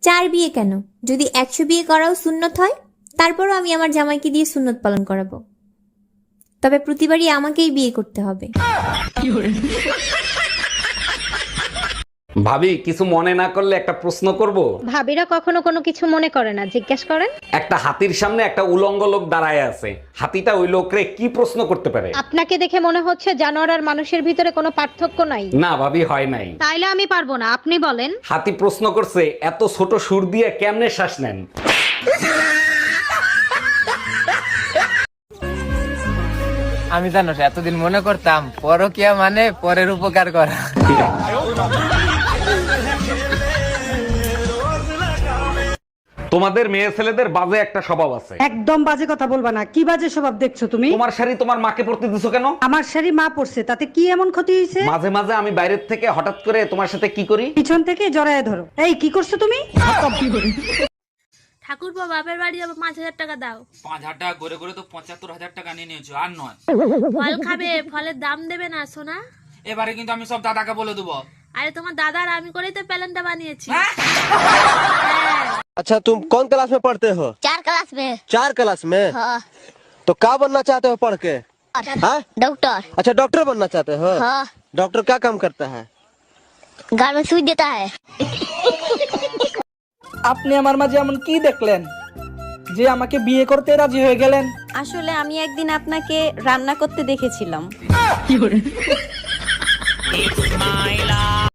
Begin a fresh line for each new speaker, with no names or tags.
4 বিয়ে কেন, যদি 100 বিয়ে করাও সুন্নত হয় তারপরও আমি আমার জামাইকে দিয়ে সুন্নত পালন করাবো, তবে প্রতিবারই আমাকেই বিয়ে করতে হবে।
ভাবি কিছু মনে না করলে একটা প্রশ্ন করব।
ভাবিরা কখনো কোনো কিছু মনে করে না, জিজ্ঞেস করেন।
একটা হাতির সামনে একটা উলঙ্গ লোক দাঁড়ায় আছে, হাতিটা ওই লোকরে কি প্রশ্ন করতে পারে?
আপনাকে দেখে মনে হচ্ছে জানোয়ার আর মানুষের ভিতরে কোনো পার্থক্য নাই।
না ভাবি, হয় নাই।
তাইলে আমি পারবো না, আপনি বলেন।
হাতি প্রশ্ন করছে, এত ছোট সুর দিয়ে কেমনে শ্বাস নেন?
আমি জানো এতদিন মনে করতাম পরকিয়া মানে পরের উপকার করা।
তোমাদের মেয়ে ছেলেদের বাজে একটা স্বভাব আছে।
একদম বাজে কথা বলবা না। কি বাজে স্বভাব দেখছো তুমি?
তোমার শাড়ি তোমার মাকে পরতে দিছো কেন?
আমার শাড়ি মা পরছে, তাতে কি এমন ক্ষতি হয়েছে?
মাঝে মাঝে আমি বাইরের থেকে হঠাৎ করে তোমার সাথে কি করি,
পিছন থেকে জড়ায় ধরো। এই কি করছো তুমি?
ঠাকুরপো বাপের বাড়ি যাবো, 5,000 টাকা দাও।
5,000 টাকা করে করে তো 75,000 টাকা নিয়ে নিয়েছো, আর নয়।
ফল খাবে, ফলের দাম দেবে না সোনা।
এবারে কিন্তু আমি সব দাদাকে বলে দেবো।
আরে তোমার দাদার আমি করেই তো প্ল্যানটা বানিয়েছি।
अच्छा तुम कौन क्लास में पढ़ते हो?
4 क्लास में।
4 क्लास में?
हाँ।
तो क्या बनना चाहते हो पढ़ के? हाँ?
डॉक्टर।
अच्छा डॉक्टर बनना चाहते हो?
हाँ।
डॉक्टर क्या काम करता है?
घर में सुई देता है।
আপনি আমার মাঝে এমন কি দেখলেন যে আমাকে বিয়ে করতে রাজি হয়ে গেলেন?
আসলে আমি একদিন আপনাকে রান্না করতে দেখেছিলাম।